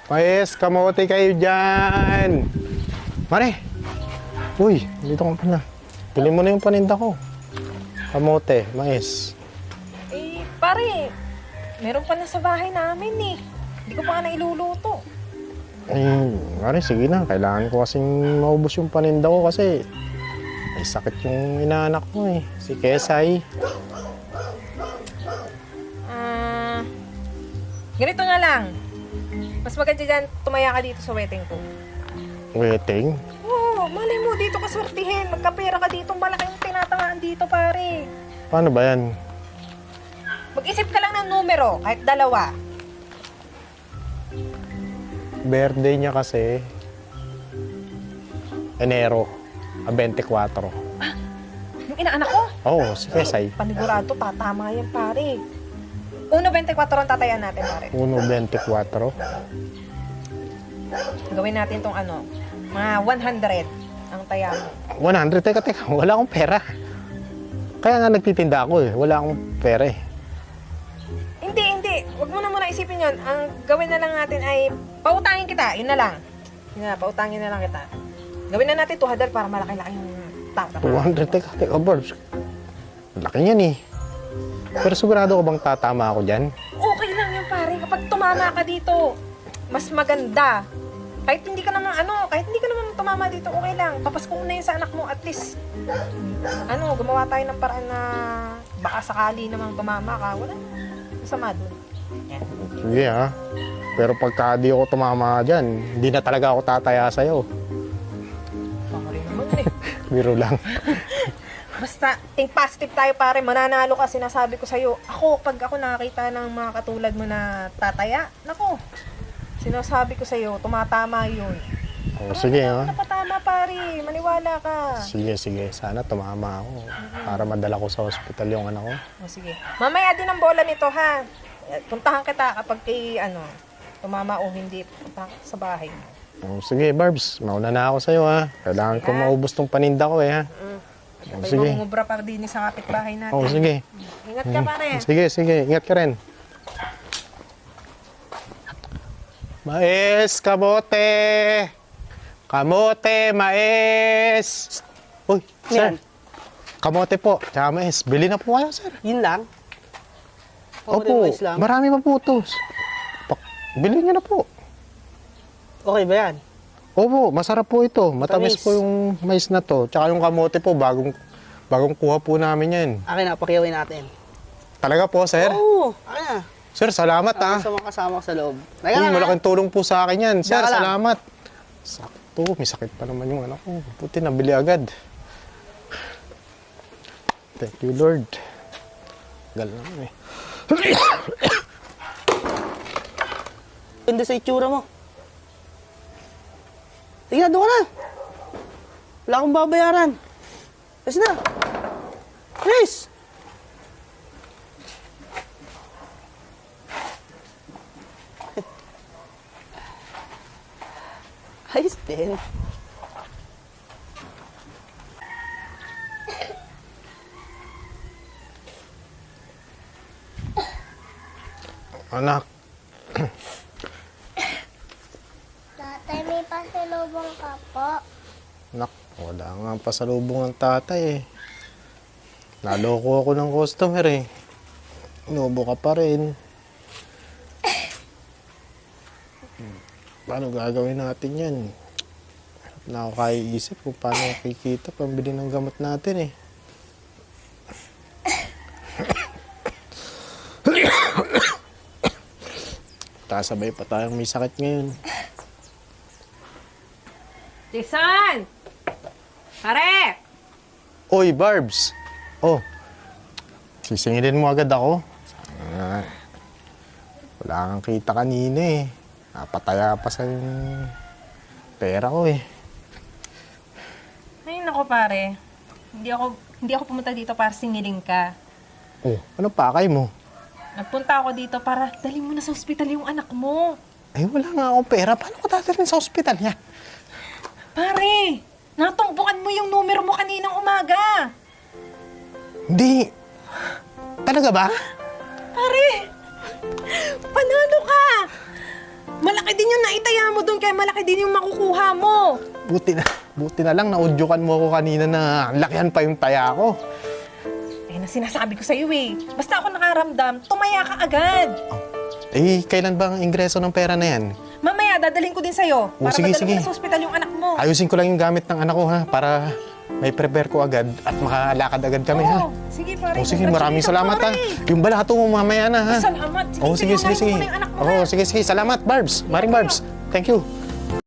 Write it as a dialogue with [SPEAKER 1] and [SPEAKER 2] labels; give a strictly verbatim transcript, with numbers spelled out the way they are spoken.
[SPEAKER 1] Mais, kamote kayo dyan. Mare. Uy, dito ka pala. Pili mo na yung paninda ko. Kamote, mais.
[SPEAKER 2] Eh, pare, meron pa na sa bahay namin eh. Hindi ko pa nga nailuluto.
[SPEAKER 1] Eh, mare, sige na. Kailangan ko kasing maubos yung paninda ko kasi may sakit yung inaanak mo eh. Si Kesay.
[SPEAKER 2] Ah, ganito na lang. Mas maganda dyan, tumaya ka dito sa wedding ko.
[SPEAKER 1] Wedding?
[SPEAKER 2] Oo, malay mo, dito ka swertihin. Magkapera ka dito, malaking tinatangaan dito, pare.
[SPEAKER 1] Paano ba yan?
[SPEAKER 2] Mag-isip ka lang ng numero, kahit dalawa.
[SPEAKER 1] Birthday niya kasi Enero, ah, twenty-four.
[SPEAKER 2] Yung inaanak ko?
[SPEAKER 1] Oo, si Kesay.
[SPEAKER 2] Panigurado, tatama yan, pare. Uno, twenty-four ang tatayan natin, pare.
[SPEAKER 1] Uno, twenty-four.
[SPEAKER 2] Gawin natin tong ano, mga one hundred ang taya mo.
[SPEAKER 1] one hundred? Teka, teka. Wala akong pera. Kaya nga nagtitinda ako eh. Wala akong pera eh.
[SPEAKER 2] Hindi, hindi. Huwag mo na muna isipin yon. Ang gawin na lang natin ay pautangin kita. Yun na lang. Yun na, pautangin na lang kita. Gawin na natin two hundred para malaki-laki yung tata.
[SPEAKER 1] two hundred? Teka, teka, Barbs. Laki niyan eh. Pero sigurado ko bang tatama ako dyan?
[SPEAKER 2] Okay lang yan, pare. Kapag tumama ka dito, mas maganda. Kahit hindi ka naman, ano, kahit hindi ka naman tumama dito, okay lang. Papasko mo na yun sa anak mo, at least, ano, gumawa tayo ng paraan na baka sakali namang tumama ka. Wala masama dun. Yan.
[SPEAKER 1] Sige ha. Pero pagka di ako tumama dyan, hindi na talaga ako tataya sa'yo.
[SPEAKER 2] Baka rin naman eh.
[SPEAKER 1] Biro lang.
[SPEAKER 2] Basta, think positive tayo, pare. Mananalo ka, sinasabi ko sa'yo. Ako, pag ako nakakita ng mga katulad mo na tataya, nako, sinasabi ko sa'yo, tumatama yun.
[SPEAKER 1] O, sige ha.
[SPEAKER 2] Ano napatama, pare? Maniwala ka.
[SPEAKER 1] Sige, sige. Sana tumama ako. Para madala ko sa hospital yung anak ko.
[SPEAKER 2] O, sige. Mamaya din ang bola nito, ha? Puntahan kita kapag kay, ano, tumama o hindi. Puntahan kita sa bahay mo.
[SPEAKER 1] O, sige, Barbs. Mauna na ako sa'yo ha. Kailangan ko
[SPEAKER 2] Sige, ha?
[SPEAKER 1] maubos tong paninda ko eh ha.
[SPEAKER 2] Mm.
[SPEAKER 1] O,
[SPEAKER 2] May
[SPEAKER 1] sige.
[SPEAKER 2] mangungubra pa din sa kapitbahay natin.
[SPEAKER 1] O, sige.
[SPEAKER 2] Ingat ka, pare.
[SPEAKER 1] Sige, sige. Ingat ka rin. Mais, kamote! Kamote, mais! Uy, sir.
[SPEAKER 3] Yan.
[SPEAKER 1] Kamote po, tsaka mais. Bili na po kayo, sir.
[SPEAKER 3] Yun lang?
[SPEAKER 1] Opo,
[SPEAKER 3] mais lang?
[SPEAKER 1] marami pa po ito. Pak- Bili niyo na po.
[SPEAKER 3] Okay ba yan?
[SPEAKER 1] Opo, masarap po ito. Matamis
[SPEAKER 3] Matamis.
[SPEAKER 1] po yung mais na to. Tsaka yung kamote po, bagong, bagong kuha po namin yan.
[SPEAKER 3] Akin na, pakiyawin natin.
[SPEAKER 1] Talaga po, sir?
[SPEAKER 3] Oo, akin na.
[SPEAKER 1] Sir, salamat ah.
[SPEAKER 3] Sa mga kasama ko sa loob.
[SPEAKER 1] Uy, malaking tulong po sa akin yan. Sir,
[SPEAKER 3] Diyan ka lang.
[SPEAKER 1] salamat. Sakto, may sakit pa naman yung anak ko. Puti, nabili agad. Thank you, Lord. Gal naman eh.
[SPEAKER 3] Ganda sa itsura mo. Sige na, doon ka na. Wala akong babayaran. Kasi na. Chris! Ayos din.
[SPEAKER 1] Anak,
[SPEAKER 4] Tatay, may pasalubong ka po.
[SPEAKER 1] anak, wala nga pasalubong ng tatay eh. Naloko ako ng customer eh. Inubo ka pa rin. Paano gagawin natin yan? Hirap na ako kaiisip kung paano kikita pambili ng gamot natin eh. Tasabay pa tayong may sakit ngayon.
[SPEAKER 2] Jason! Pare!
[SPEAKER 1] Oy, Barbs! Oh, sisingilin mo agad ako. Sana, wala kang kita kanina eh. Napataya pa sa yung pera ko eh.
[SPEAKER 2] Ay, nako, pare. Hindi ako, hindi ako pumunta dito para singilin ka.
[SPEAKER 1] Oh, ano pakay mo?
[SPEAKER 2] Nagpunta ako dito para dali mo na sa ospital yung anak mo.
[SPEAKER 1] Ay, wala nga akong pera. Paano ko tatalhin sa ospital niya?
[SPEAKER 2] Pare, natungbukan mo yung numero mo kaninang umaga.
[SPEAKER 1] Hindi. Talaga ba?
[SPEAKER 2] Pare, panalo ka. Malaki din yung naitaya mo doon, kaya malaki din yung makukuha mo.
[SPEAKER 1] Buti na, buti na lang naudyukan mo ako kanina na lakihan pa yung taya ko.
[SPEAKER 2] Eh, na sinasabi ko sa'yo eh. Basta ako nakaramdam, tumaya ka agad.
[SPEAKER 1] Eh, kailan ba ang ingreso ng pera na yan?
[SPEAKER 2] Mamaya, dadalhin ko din sa'yo.
[SPEAKER 1] Oh,
[SPEAKER 2] Para
[SPEAKER 1] sige,
[SPEAKER 2] madala
[SPEAKER 1] sige.
[SPEAKER 2] mo na sa ospital yung anak mo.
[SPEAKER 1] Ayusin ko lang yung gamit ng anak ko ha, para may prepare ko agad at makalakad agad kami ha.
[SPEAKER 2] Oo, sige pare.
[SPEAKER 1] Oh, sige, maraming salamat ha.
[SPEAKER 2] Congratulations,
[SPEAKER 1] Yung balato mo mamaya na ha.
[SPEAKER 2] pare. Salamat. Sige,
[SPEAKER 1] Oh, sige, sige,
[SPEAKER 2] unahin mo
[SPEAKER 1] sige.
[SPEAKER 2] muna yung anak mo,
[SPEAKER 1] Oh,
[SPEAKER 2] ha?
[SPEAKER 1] sige, sige. Salamat, Barbs. Maring Barbs. Thank you.